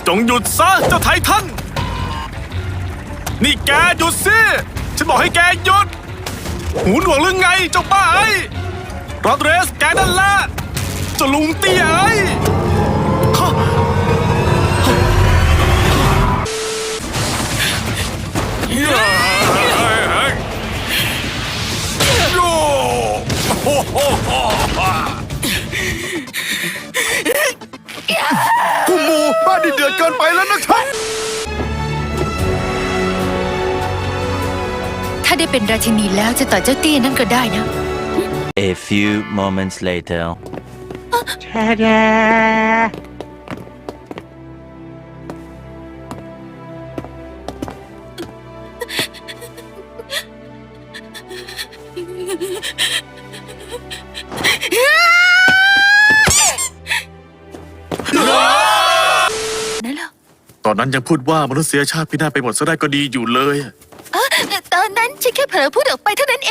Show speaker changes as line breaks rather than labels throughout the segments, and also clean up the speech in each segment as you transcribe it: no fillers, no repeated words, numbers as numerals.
จงหยุดซะเจ้าไททันนี่แกหยุดสิฉันบอกให้แกหยุดหูหนวกหรือไงเจ้าบ้าไอ้โรดเรสแกนั่นแหละเจ้าลุงเตี้ยไอ้
ผู้หมู่บ้านนี่เดือดเกินไปแล้วนะครับ
ถ้าได้เป็นราชินีแล้วจะต่อเจ้าเตี้ยนั่นก็ได้นะ
A few moments later.
นั่นเหรอ
ตอนนั้นยังพูดว่ามนุษยชาติพินาศไปหมดซะได้ก็ดีอยู่เลย
ตอนนั้นฉันแค่เผลอพูดออกไปเท่านั้นเอง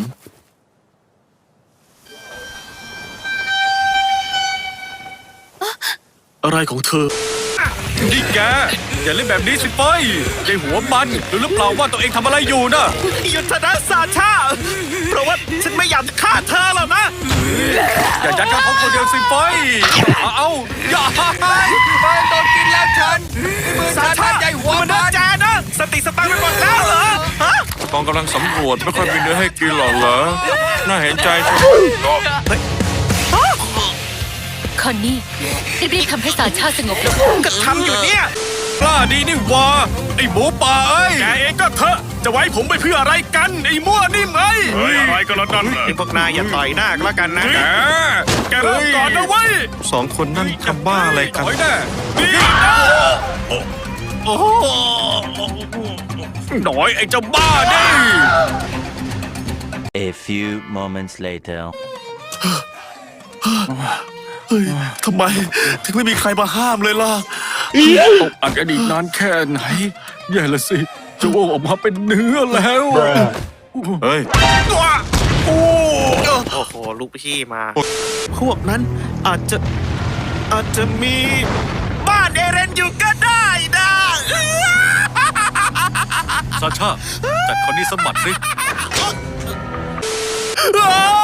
อะไรของเธอนี่แกอย่าเล่นแบบนี้สิเฟ้ยใจหัวมันหรือเปล่าว่าตัวเองทำอะไรอยู่นะยุทธนาซาชาเพราะว่าฉันไม่อยากจะฆ่าเธอแล้วนะอย่ายัดกับเขาคนเดียวสิเฟ้ยเอาอย่าไปโดนกินแล้วฉันมือซาชาใจหัวมันแจนะสติสตังค์ไปหมดแล้วเหรอฮะ
กองกำลังสำรวจไม่ค่อยมีเนื้อให้กินหรอกเหรอน่าเห็นใจจัง
คอนนี่รีบๆทำให้สาชาสงบลง
ก็ทำอยู่เนี่ยกล้าดีนี่วะไอ้หมูป่าเอ้ยแกเองก็เถอะจะไว้ผมไปเพื่ออะไรกันไอ้มั่วนิ่มเอ้ยอะไรก็แล้วกันไอ้พวกนายอย่าต่อยหน้าก็แล้วกันนะแกเริ่มก่อนนะเว้ย
สองคนนั่นทำบ้าอะไรกัน
ต่อยแน่นี่นะโอ้โหหน่อยไอ้เจ้าบ้าดิ
A few moments later.
เฮ้ยทำไมถึงไม่มีใครมาห้ามเลยล่ะ
อัดอดีตนานแค่ไหนแย่ละสิจะโวออกมาเป็นเนื้อแล้วเฮ้ย
โอ้
โอ้โห ลูกพี่มา พวกนั้นอาจจะมีบ้านเอเรนอยู่ก็ได้นะ
ซาชาจัดคนนี้สมัครสิ
อ้า